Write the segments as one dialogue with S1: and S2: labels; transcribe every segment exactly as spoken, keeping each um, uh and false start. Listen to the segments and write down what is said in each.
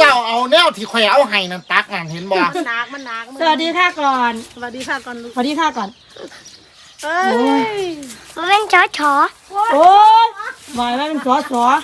S1: เจ้าเอาแนวที่ข่อยเอาให้นั่นตักนั่นเห็นบ่
S2: มันหนักมันหนัก
S3: สวัสดีค่ะก่อน
S2: สวัสดีค่ะก่อนลูก
S3: สวัสดีค่ะก่อน
S2: เอ้ย
S4: มันเป็นชอชอ
S3: โอ้ยบอยว่าเป็นสอสอ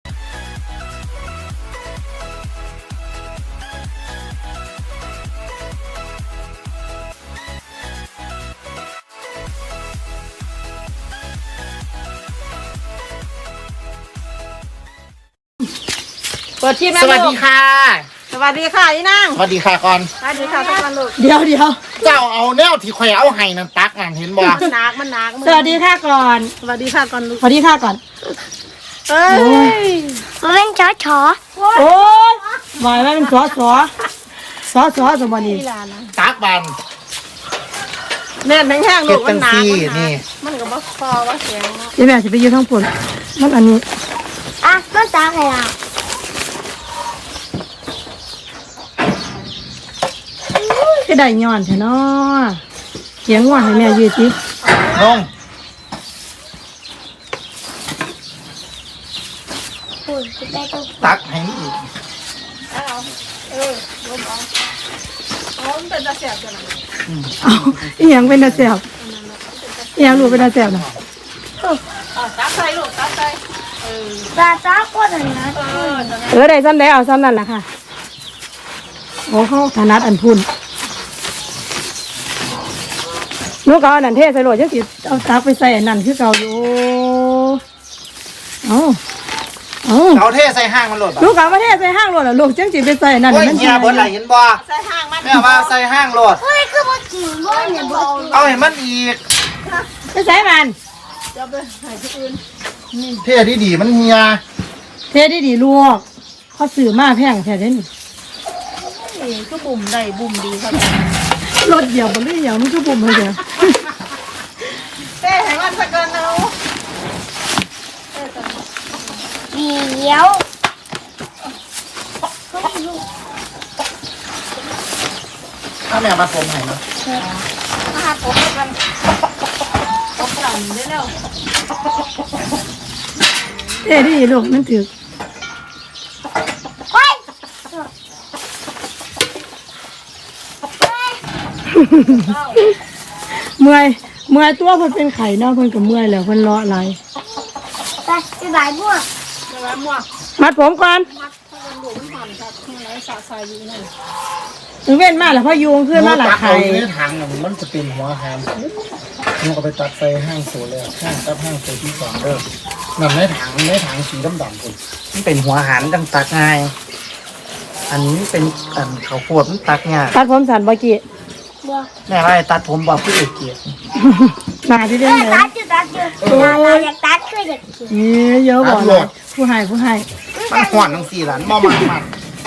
S3: เปิดทีมแล้ว
S1: สวัสดีค่ะ
S2: สวัสดีค่ะอีนาง
S1: สวัสดีค่ะก่อน
S2: สวัสดีค่ะก่อนลูก
S3: เดี๋ยวเดี๋ยว
S1: เจ้าเอาแนวที่ข่อยเอาให้นั่นตักนั่นเห็นบ่
S2: มันหนักมันหนัก
S3: สวัสดีค่ะก่อน
S2: สวัสดีค่ะก่อนลูก
S3: สวัสดีค่ะก่อน
S2: เอ้ย
S4: มันเป็นชอชอ
S3: โอ้ยบอยว่าเป็นสอสอสอสอสมบัติ
S1: ตักบัน
S2: แน่นแห้งๆลูกมันหนัก
S1: เฮ็ดจังซี่นี่
S2: มันก็บ่พอว่าเสียง
S3: เดี๋ยวแม่จะไปยืนทั้งผลมันอันนี้
S4: อ่ะมันตาใครอ่ะ
S3: ก็ได้ย้อนใช่เนาะเสียงว่าให้แม่ยืดสิ
S1: ลงตักให้อีก
S2: เออลมเอาอ๋อมันเป็นตาแสบจัง
S3: เอาอีหยังเป็นตาแสบอีหยังรู้เป็นตาแสบน่ะ
S2: อ่ะตักใส่ลูกตักใส่เออ
S4: ตาตาก็ได้นะ
S2: เออ
S3: เออได้ซ้ำได้เอาซ้ำนั่นแหละค่ะโอ้เขาถนัดอันพุ่นลูกเอาอันนั้นเทใส่โหลดจังสิเอาตักไปใส่อันนั้นคือเก่าอยู่เอาเอา
S1: เอาเทใส่ห้างมันโหลดบ่
S3: ลูกเอามาเทใส่ห้างโหลดอ่ะลูกจังสิไปใส่อันนั้น
S1: โอ้ย
S3: มัน
S1: เฮียเบิดไหลเห็นบ่
S2: ใส่ห้างมัน
S1: แม่ว่าใส่ห้างโหลด
S4: เฮ้ยคือบ่กินบ่เนี่ยบ่กิน
S1: เอาให้มันอีก
S3: ไปใส่มัน
S2: จะไปใส่ที่อื่น
S1: เทดีๆมันเฮีย
S3: เทได้ดีลูกเขาซื้อมาแพงแท้เด้นี่
S2: นี่ก็บุ่มได้บุ่มดีครับ
S3: รถเดียวบ่เลยอย่างมันคือปุ่มให้เด้อ
S2: เต้ให้มันสักเกินเอา
S4: เดี๋ยว
S1: ถ้าแม่มาผมให้นะ
S2: มาหาผมกันผมกลั่นได้แล้ว
S3: เทได้ดีลูกมันถือ
S4: เฮ้ย
S3: เมื่อยเมื่อยตัวเพิ่นเป็นไข้เนาะเพิ่นก็เมื่อยแล้วเพิ่นเลาะไหล
S4: ไปไปบายบัว
S2: เดี๋ยวมั่ว
S3: มัดผมก่อน
S2: มัดให้มันหลวมผ่านครับข้างในสาสายอยู่นั่น
S3: ถึงเว้นมาแล้วพอยุงขึ้นมาหลาย
S1: ตัก
S3: ไข่
S1: เอาอยู่ในถังน่ะมันจะเป็นหัวหามมันก็ไปตัดใส่ห้างโซแล้วห้างตับห้างโซที่สองเด้อนั่นในถังในถังสีดำๆพุ่นมันเป็นหัวหันจังตักง่ายอันนี้เป็นอันข้าวโพดมันตักง่าย
S3: ตัดผมสันบ่กี้
S4: บัว
S1: แม่ว่าให้ตัดผมบอกพี่เอกเกียรติ
S3: มาที่เด้
S4: เฮ้
S3: ง
S4: ย
S3: เลย
S4: ตัดจุดตัดจุดเราอยากตัดคืออยากกิน
S3: นี่เยอะบ่เลยผู้ให้ผู้ให้
S1: มันหวานทั้งสี่หลานมอมันมัน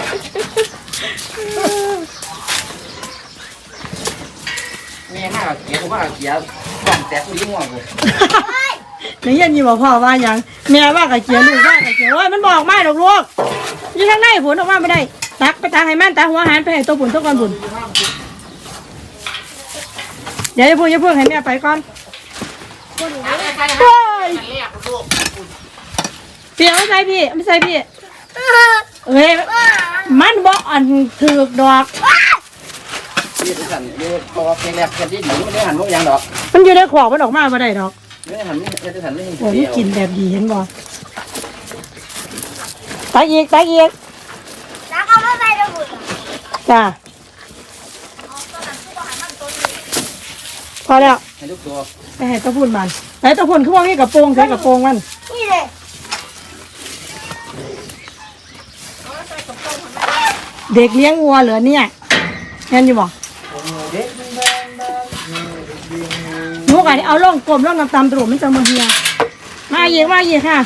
S1: แม่มากเกียร์ว่าเกียร์กล่องแตกลิ้นหัวเลย
S3: ในเย็นนี่บอกพ่อว่าหยังแม่ว่ากับเกียร์ลูกว่ากับเกียร์ว่ามันบอกไม่ดอกลูกอยู่ทางในผลออกมาไม่ได้ตักไปตักให้มันตักหัวหันไปให้ตัวผุนตัวก่อนผุนเดี๋ยวจะพูดจะพูดให้แม่ไปก่อนโอ้ยเปียกไม่ใส่พี่ไม่ใส่พี่เอ้ยมันบอกอันถือกดอก
S1: นี่เป็นสันนี่พอเพลงแรกเพลงที่หนูไม่ได้หันพวกยังดอก
S3: มันอยู่ในขวากมันออกมาไม่ได้ดอก
S1: ไม่ได้หันไม่ได้หันไม่เห็น
S3: โอ้ยกินแบบดีเห็นบ่ตักอีกตักอีก
S4: แล้วก็ไม่ไปดูบุญ
S3: จ้าพอแล้ว
S1: ให้ลูกตัว
S3: ไปให้ตะพุ่นมันไปตะพุ่นคือว่ามีกระโปรงใส่กระโปรงมัน
S4: นี่เลย
S3: เด็กเลี้ยงวัวเหรอเนี่ยเห็นอยู่บ่หนูกันเอาล่องกลมล่องน้ำตาลตรุมันจะมาเฮียมาเยอะมาเยอะค่ะ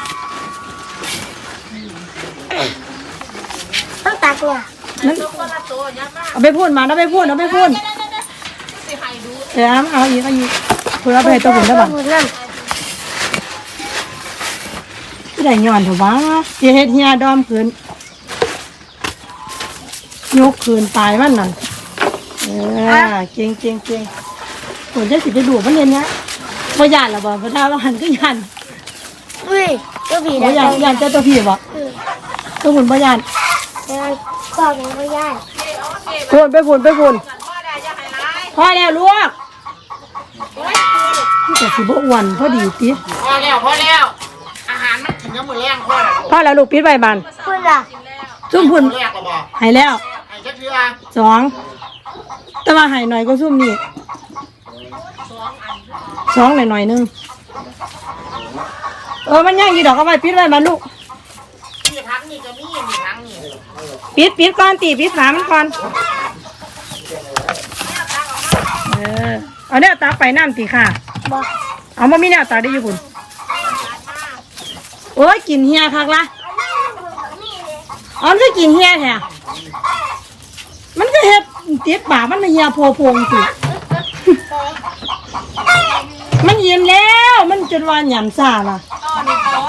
S4: ต้องตัดเนี่ย
S3: นั่นเอาไปพูดมาเอาไปพูดเอาไปพูดเดี๋ยวเอาอีกเอาอีกเพื่อเอาไปให้ตะพุ่นได้บ่
S4: บุญนั่น
S3: ที่ได้ย้อนเถอะวะอย่าเฮ็ดเฮียดอมขืนยกขืนตายมันนั่นเออเก่งเก่งเก่งผลจะสิไปดูมันเย็นเนี้ยบ่ยานหรอบ่พระท่าว่าหันก็ยาน
S4: อุ้ยก็ผี
S3: บ่
S4: นะ
S3: ยานยานเจ้าตัวพี่บ่ตัวหุ่นบ่ยาน
S4: บงานก่อนไม่ได้
S3: พูนไปพูนไปพูนพ่อแล้วลูกนี่แต่สิบอ้วนพอดีติ
S1: พอแล้วพอแล้วอาหารมันกินน้ำมือแรงพอแล้ว
S3: พ่อแล้วลูกปิดใบบัน
S4: คุณล่ะ
S3: ซุ่มพุ่น
S1: แรกเราบอก
S3: หายแล้ว
S1: ไอ้เจ้าเชื่อ
S3: สองแต่ว่าหายหน่อยก็ซุ่มนี่สองหน่อยหน่อยๆนึงเออมันย่างกี่ดอกเอาไว้ปิดไว้มันลูก
S1: มีทั้งนี่ก็มีมีทั้งนี่
S3: ปิดปิดก่อนตีปิดฝามันก่อนเออเอาเนี่ยตาไปน้ำตีค่ะ
S4: บอก
S3: เอามามีเนี่ยตาได้อยู่คุณโอ้ยกินเฮียคักละอ๋อมันก็กินเฮียแท้มันก็เฮ็ดติดปากมันไม่เฮียโพโพงสิมันเย็นแล้วมันจนวานหยำซ่าล่ะ
S4: อันนี้คือ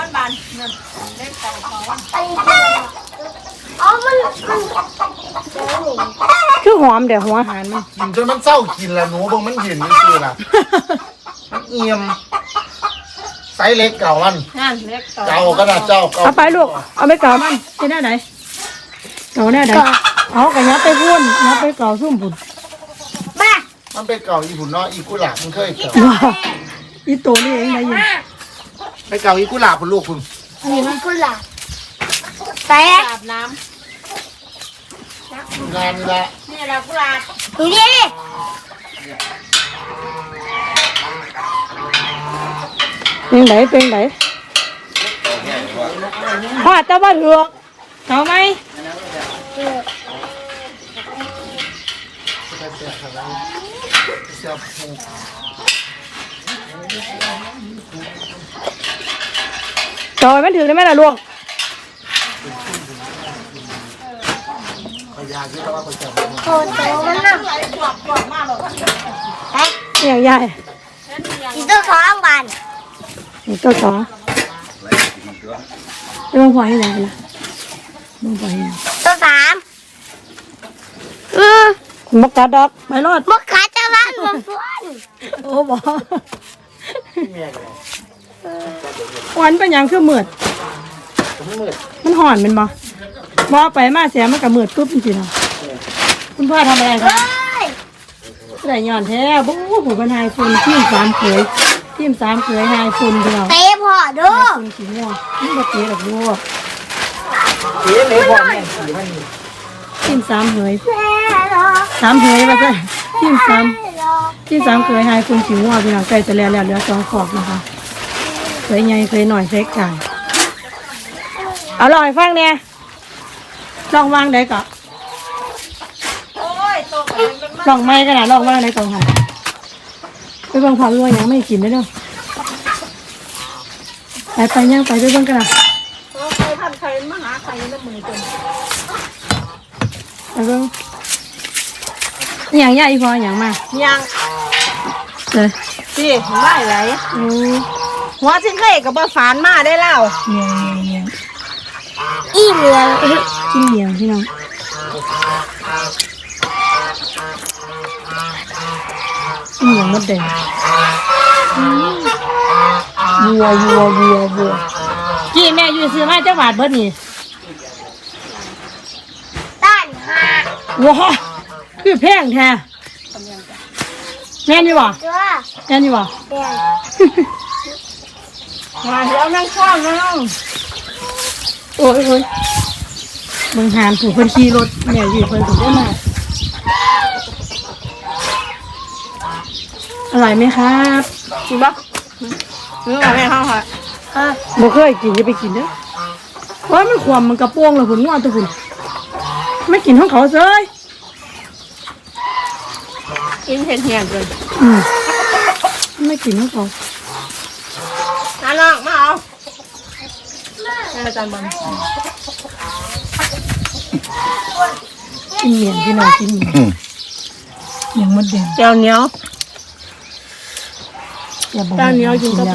S4: อ๋อมันมันเดี๋ยวหนู
S3: คือหอมเดี๋ยวหัวอาหารมัน
S1: กินจนมันเศร้ากินแล้วหนูบางมันเห็นนี่คือล่ะมันเอี่ยมไซส์เล็กเก่ามัน
S3: นั่นเล็กต่อ
S1: เก่าก็น่าเจ้าเก่า
S3: เอาไปลูกเอาไปเก่ามันไปหน้าไหนเก่าหน้าไหนเอากระยับไปพุ่นยับไปเก่าซุ่มพุ่น
S4: มา
S1: มันเป็นเก่าอีหุ่นเนาะอีกุหลาบมันเคยเก่า
S3: ว้าวอีโตนี่เองได้ยิน
S1: ไปเก่าอีกุหลาบคุณลูกคุณ
S4: อันนี้มันคุณล่ะแต่
S3: อาบน้
S1: งานนี่ละ
S3: ำนี่แหละกุหลาบ
S4: ดูดิ
S3: เป็นไหนเป็นไหนพอดจะบ้านเหือกเก่าไหม
S1: เสียบหู
S3: เก่าไหมมันถือได้ไหมล่ะลูก
S1: พยาที่เราว่าประจำ
S4: โคตรโตมันน่ะ
S3: อย่างใหญ่
S4: อีตัวสองบาน
S3: นี่ตัวสองเรื่องพอให้ไหนกันนะเรื่องพอให้ไหน
S4: ตัวสามอืม
S3: มกกาดอกไม่รอด
S4: มุกขาจะบ้านมันฟ้วน
S3: โอ้บอวันเป็นหยังคือมืดมันห่อนเป็นบ่บอไปมาเสียมันกับมืดปุ๊บจริงๆเนาะคุณพ่อทำอะไรคะ
S4: เฮ้ย
S3: ได้ย้อนแท้บู๊ผมเป็นไฮฟุนทีมสามเขยทีมสามเขยไฮฟุนเดียว
S4: เตะพ่อดู
S3: ฟุนสีม่วงนี่ก็เตะดอกบัว
S1: เอ๊ะเลยพ่อแม่สีมันนี่
S3: ทีมสามเขย
S4: แม่หรอ
S3: สามเขยมาใช่ทีมสาม
S4: แม่หรอ
S3: ทีมสามเขยไฮฟุนสีม่วงพี่น้องใกล้จะแล้วแล้วเหลือสองขอบนะคะเคยใหญ่เคยหน่อยเซ็กกันเอาลองให้ฟังเนี่ยลองวางได้ก่อนลองไม่กันนะลองวางได้ก่อนค่ะไปเบิ่งความรวยยังไม่กินได้เนาะไปไปย่างไปไปเบิ่งกันนะไปเบิ่งอหย่างใหญ่พออหย่างมา
S2: ยัง
S3: เลย
S2: สิไม่ไหล
S3: โอ้
S2: หัวชิ้นเคยกับบ่ฝานมาได้แล้ว
S3: เมียงเมียง
S4: อีเหลือง
S3: กินเมียงพี่น้องกินเมียงมดแดงวัววัววัววัวกี่แม่อยู่ซื้อมาเจ้าบาทเบิดนี่
S4: ต้านหา
S3: ว้าคือแพงแท้แม่นอยู่บ่
S4: ตัว
S3: แม่นอยู่บ่
S4: เปลี่ยน
S3: มาเดี๋ยวนั่งข้างน้องโอ้ยโอ้ยเบิ่งหานถูกคนขี่รถแม่อยู่เพิ่นถูกได้มาอร่อยไหมครับ
S2: กินบ่เนื้อแม่เขาค่ะ
S3: บ่เคยกินจะไปกินเด้อว่ามันความมันกระโปงเลยผมว่าตัวคุณไม่กินของเขาเซ้ย
S2: กินเห็ดเหี่ยงเกิน
S3: อืมไม่กินของเขา
S2: น้าน้องมาเอาแม่อาจารย์บอล
S3: กินเมียนพี่น้องกินเมียนเมียนมดแดง
S2: เจียวเหนียว
S3: อย่าบอก
S2: เจ้าเหนียวกินกับ
S3: แล้ว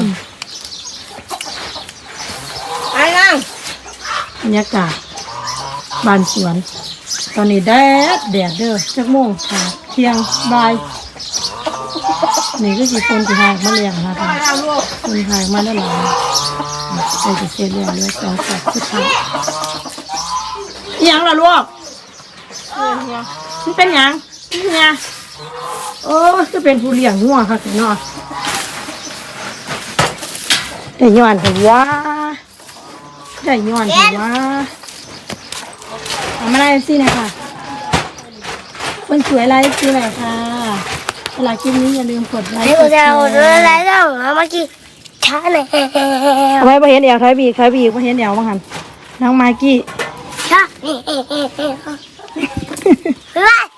S2: ไอ้นั่ง
S3: บรรยากาศบ้านสวน ตอนนี้แดดแดดเด้อจักโมงค่ะเที่ยงบ่ายนี่ก็สิคนที่หากมาเลี้ยงนะคะ
S2: เอาลูก
S3: คนหากมาแล้วหลายใส่จะเสร็จแล้วเหลือสองขอบสุดท้ายอิหยังล่ะลูก
S2: เนี่ย
S3: มันเป็นหยังเนี่ยโอ้จะเป็นผู้เลี้ยงงัวค่ะเนาะได้ย้อนถือว่าได้ย้อนถือว่าทำอะไรสินะคะคนสวยไลฟ์คืออะไรค่ะเวลาคลิปนี้อย่าลืมกดไลค์
S4: ให้
S3: ก
S4: กู
S3: ดแช
S4: จะเอา
S3: ร์
S4: เรื่องอะไรต้องเอามากินช้าหน่อย
S3: เอาไว้พอเห็นเอวถอยบีกถอยบีกพอเห็นเอวบ้างหันน้องมากกี้
S4: ช้าเฮ้ยเฮ้ยเฮ้ยเฮ้ย